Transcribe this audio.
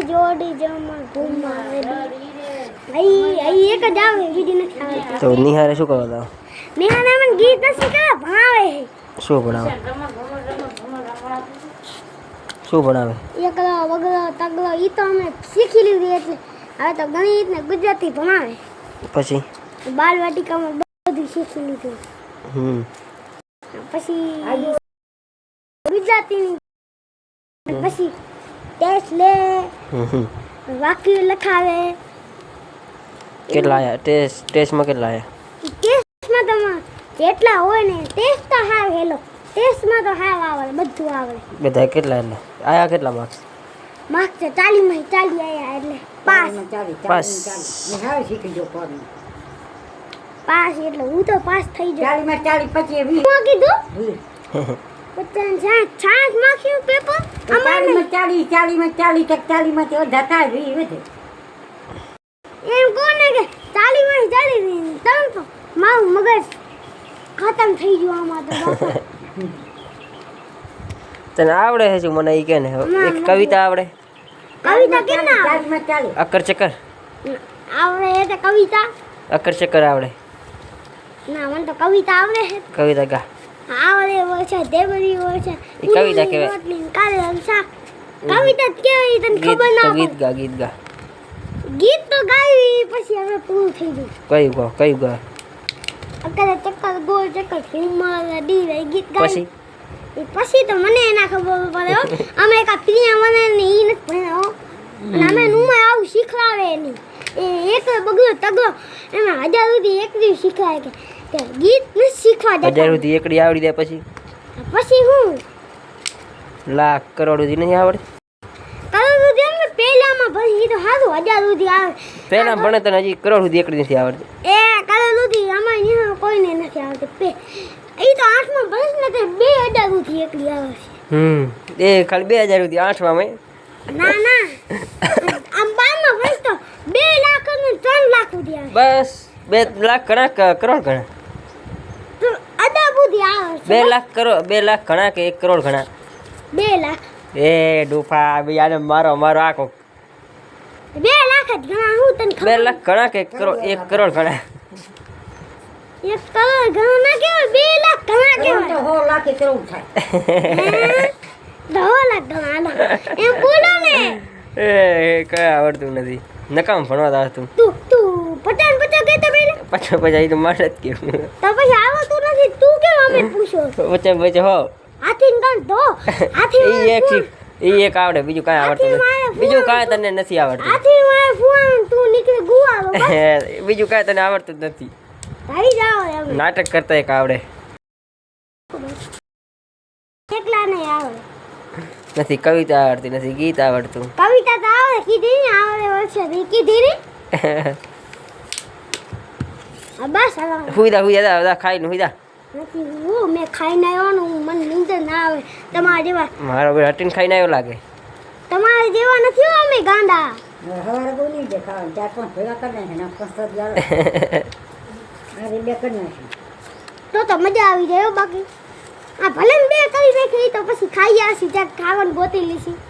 જોડી જમા ઘુમાવે આઈ એક જ આવે બીજી નથી આવતી તો નિહારે શું કરવા દો નિહાને મને ગીત નથી કે ભાવે શું ભણાવે શું ભણાવે એકલો વગલો તગલો ઈ તો અમે શીખી લીધી એટલે હવે તો ગણિત ને ગુજરાતી ભણાવે પછી બાલવાટિકામાં બધું શીખી લીધું પછી ગુજરાતીની પછી ટેસ્ટ લે વાક્ય લખાવે કેટલા આયા ટેસ્ટમાં કેટલા આયા ટેસ્ટમાં તો જેટલા હોય ને ટેસ્ટ તો હાવ હેલો ટેસ્ટમાં તો હાવ આવડે બધું આવડે બધા કેટલા એટલે આયા કેટલા માર્ક્સ માર્ક્સ તો 40 માં 40 આયા એટલે પાસ પાસ નિહાળ શીખી જો પર પાસ એટલે હું તો પાસ થઈ જાઉં 40 માં 40 પછી 20 હું કીધું 50 માર્ક્સનું પેપર અમારે 40 માં 40 40 માંથી અડધા થાય 20 વધે એમ કોને કે 40 માં 40 તમ તો મારું મગજ ખતમ થઈ ગયું આમાં તો બાપા તને આવડે છે શું મને ઈ કે ને એક કવિતા આવડે કવિતા કેમ ના 40 માં 40 અકર ચક્કર આવડે એટલે કવિતા અકર ચક્કર આવડે ના મને તો કવિતા આવડે છે કવિતા ગા આવડે હોય છે દેવરી હોય છે ઈ કવિતા કહેવાય. કાલે શાક કવિતા જ કહેવાય તને ખબર ના ગીત ગા ગીત ગા ગીત તો ગાવી પછી હવે પૂરું થઈ ગયું કયું ગા અત્યારે ચક્કર ગોળ ચક્કર ફિલ્મમાં ડી રહી ગીત ગાઈ પછી પછી તો મને ના ખબર પડે હો અમે એક પ્રિયા મને ને ઈ નથી ભણ્યા હો અને અમે નુમાં આવું શીખવાડે નહીં એ એક બગલો તગલો એમાં 1000 સુધી એક દિવસ શીખવાય કે ગીત નથી શીખવા દેતા 1000 સુધી એકડી આવડી જાય પછી હું લાખ કરોડ સુધી નહીં આવડે કરોડ સુધી અમે પહેલામાં પછી તો સારું 1000 સુધી આવે પહેલા ભણે તને હજી કરોડ સુધી એકડી નથી આવડતી એ કરોડ સુધી અમારે અહીંયા કોઈને નથી આવતી એ તો 8માં ભણે ને તો 2000 સુધી એકલી આવે છે એ ખાલી 2000 સુધી 8માં મેં ના ના આમ 12માં ભણે તો 2 લાખ અને 3 લાખ સુધી આવે બસ 2 લાખ ઘણા કરોડ ઘણા તો અદા બુદ્ધિ આવે છે 2 લાખ કરોડ 2 લાખ ઘણા કે 1 કરોડ ઘણા 2 લાખ એ ડૂફા યાર મારો આખો 2 લાખ જ ઘણા હું તને 2 લાખ ઘણા કે 1 કરોડ ઘણા 1 કરોડ ઘણા ના કહેવાય 2 લાખ ઘણા કહેવાય તો 100 લાખ કરોડ થાય 10 લાખ ઘણા એમ બોલો ને એ કઈ આવડતું નથી નકામ ભણવા આવડતું તું 50 કહેતો પહેલા પછી તો મારે જ કેવું તો પછી આવતું નથી તું કેમ અમે પૂછો પછી હો હાથી ગણ દો હાથી ઈ એક આવડે બીજું કાંઈ આવડતું નથી બીજું કાંઈ તને નથી આવડતું હાથી મારે ફુવાન તું નીકળે ગુવાળો બીજું કાંઈ તને આવડતું જ નથી ભાઈ જાઓ એમ નાટક કરતા એક આવડે એકલા નહીં આવડે નથી કવિતા આવડતી નથી ગીત આવડતું કવિતા તો આવડે કીધી ને આવડે વર્ષે કીધી ને બસ હવે હુઈદા ખાઈને હુઈદા નથી હું મેં ખાઈને આવ્યો ને મને નીંદર ના આવે તમારા જેવા મારો ભાઈ હટીને ખાઈને આવ્યો લાગે તમારા જેવા નથી હો અમે ગાંડા હવારે બહુ નહીં દેખાવા 4-5 ભેગા કરી નાખે ને 5 જાય આ બે કરી નાખે તો મજા આવી જાય હો બાકી આ ભલે 2 કરી નાખી તો પછી ખાઈ આવશી જ્યાં ખાવાનું ગોતી લીધી